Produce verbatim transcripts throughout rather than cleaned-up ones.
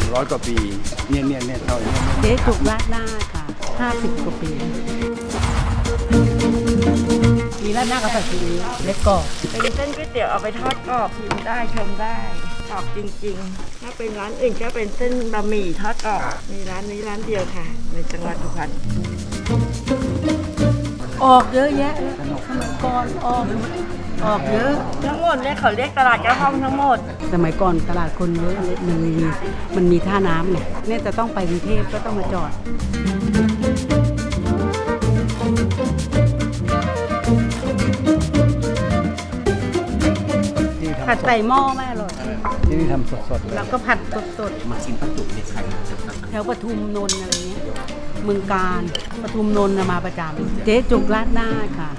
ร้อยกว่าปีเนี่ยเนี่ยเนี่ยเท่านี้เจ๊จุกราดหน้าค่ะห้าสิบกว่าปีมีราดหน้ากับผัดซีอิ๊วเล็กกรอบเป็นเส้นก๋วยเตี๋ยวเอาไปทอดกรอบชิมได้ชมได้กรอบจริงๆถ้าเป็นร้านอื่นก็เป็นเส้นบะหมี่ทอดกรอบมีร้านนี้ร้านเดียวค่ะในจังหวัดสุพรรณออกเยอะแยะเลยสมัยก่อนออกออกเยอะทั้งหมดเนี่ยเขาเรียกตลาดเจ้าห้องทั้งหมดสมัยก่อนตลาดคนเยอะมันมีมันมีท่าน้ำเนี่ยเนี่ยจะต้องไปกรุงเทพก็ต้องมาจอดผัดใส่หม้อไม่อร่อยที่นี่ทำสดๆแล้วก็ผัดสดๆมาชิมปลาจุกในไข่แถวปทุมนนท์อะไรเงี้ยเมืองการปทุมนนท์มาประจำเจ๊จุกราดหน้าค่ะ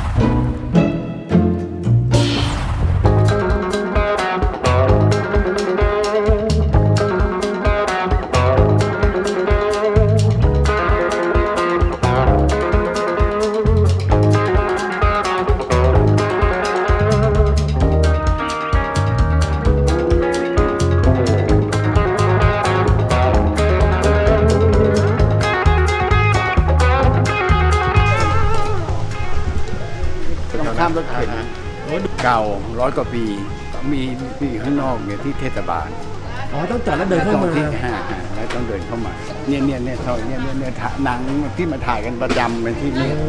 ข้ามรถเข็นเก่าร้อยกว่าปีมีมีข้างนอกเนี่ยที่เทศบาลอ๋อต้องจอดแล้วเดินเข้ามาที่ห้าแล้วต้องเดินเข้ามาเนี่ยเนี่ยเนี่ยเท่าเนี่ยเนี่ยเนี่ยหนังที่มาถ่ายกันประจำเป็นที่นี้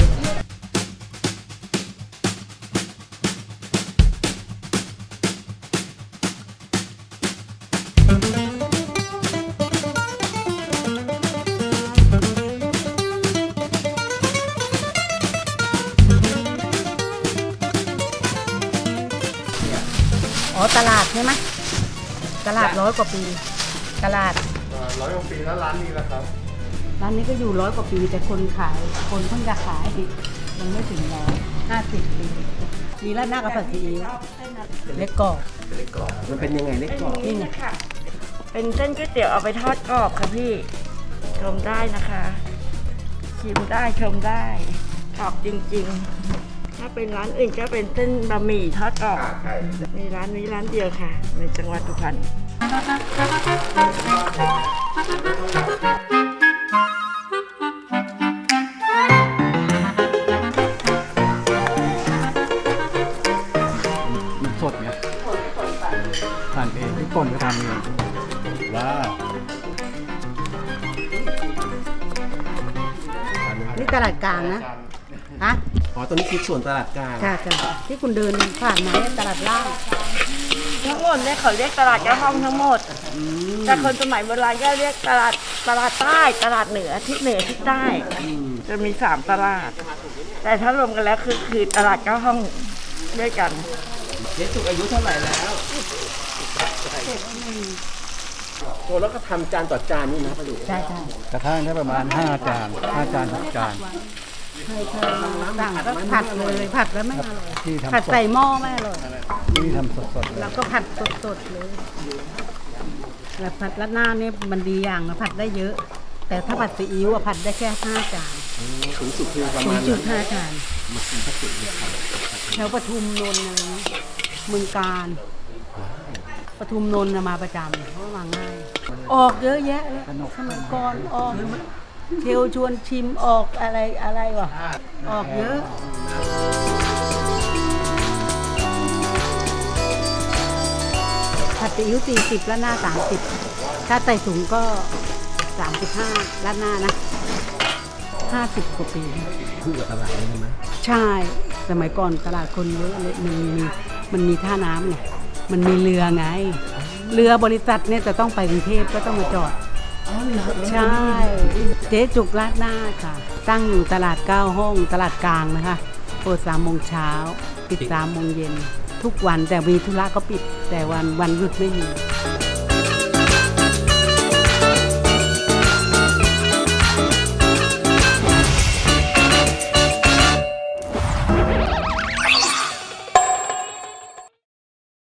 อ๋อตลาดใช่ไหมตลาดร้อยกว่าปีตลาดร้อยกว่าปีแล้วร้านนี้แหละครับร้านนี้ก็อยู่ร้อยกว่าปีแต่คนขายคนเพิ่งจะขายยังไม่ถึงร้อยห้าสิบปีมีราดหน้ากับผัดซีอิ๊วเล็กกรอบเล็กกรอบมันเป็นยังไงเล็กกรอบนี่ไงเป็นเส้นก๋วยเตี๋ยวเอาไปทอดกรอบค่ะพี่ชมได้นะคะชิมได้ชมได้กรอบจริงๆถ้าเป็นร้านอื่นก็เป็นเส้นบะหมี่ทอดกรอบมีร้านนี้ร้านเดียวค่ะในจังหวัดสุพรรณมันสดเนี่ยทานเองที่ก่อนไปทำเองว้าวนี่ตลาดกลางนะฮะอ๋อตรงนี้คือส่วนตลาดกลางค่ะจ้ะที่คุณเดินผ่านมาตลาดล่างทั้งหมดเนี่ยเขาเรียกตลาดเจ้าห้องทั้งหมดแต่คนสมัยโบราณก็เรียกตลาดตลาดใต้ตลาดเหนือทิศเหนือทิศใต้จะมีสามตลาดแต่ถ้ารวมกันแล้วคือคือตลาดเจ้าห้องด้วยกันเจ๊จุกอายุเท่าไหร่แล้วโอ้แล้วก็ทำจานต่อจานนี่นะประดุใช่ใช่กระทั่งได้ประมาณห้าจานห้าจานหกจานเคยเคยสั่งก็ผัดเลยผัดแล้วไม่อร่อยผัดใส่หม้อไม่อร่อยที่ทำสดๆแล้วก็ผัดสดๆเลยแล้วผัดราดหน้าเนี่ยมันดีอย่างนะผัดได้เยอะแต่ถ้าผัดซีอิ๊วผัดได้แค่ห้าจานสูงสุดคือประมาณสูงสุดห้าจานแถวปทุมนนท์อะไรนี้เมืองการปทุมนนท์มาประจำเพราะว่าง่ายออกเยอะแยะเลยสมัยก่อนออกเชลชวนชิมออกอะไรอะไรวะออกเยอะผัดซีอิ๊วสี่สิบราดหน้าสามสิบถ้าไต่ถุงก็สามสิบห้าราดหน้านะห้าสิบกว่าปีคู่กับตลาดเลยใช่ไหมใช่สมัยก่อนตลาดคนเยอะเลยมันมีมันมีท่าน้ำไงมันมีเรือไงเรือบริษัทเนี่ยจะต้องไปกรุงเทพก็ต้องมาจอดใช่เจ๊จุกราดหน้าค่ะตั้งอยู่ตลาดเก้าห้องตลาดกลางนะคะเปิดสามโมงเช้าปิดสามโมงเย็นทุกวันแต่มีธุระก็ปิดแต่วันวันหยุดไม่มี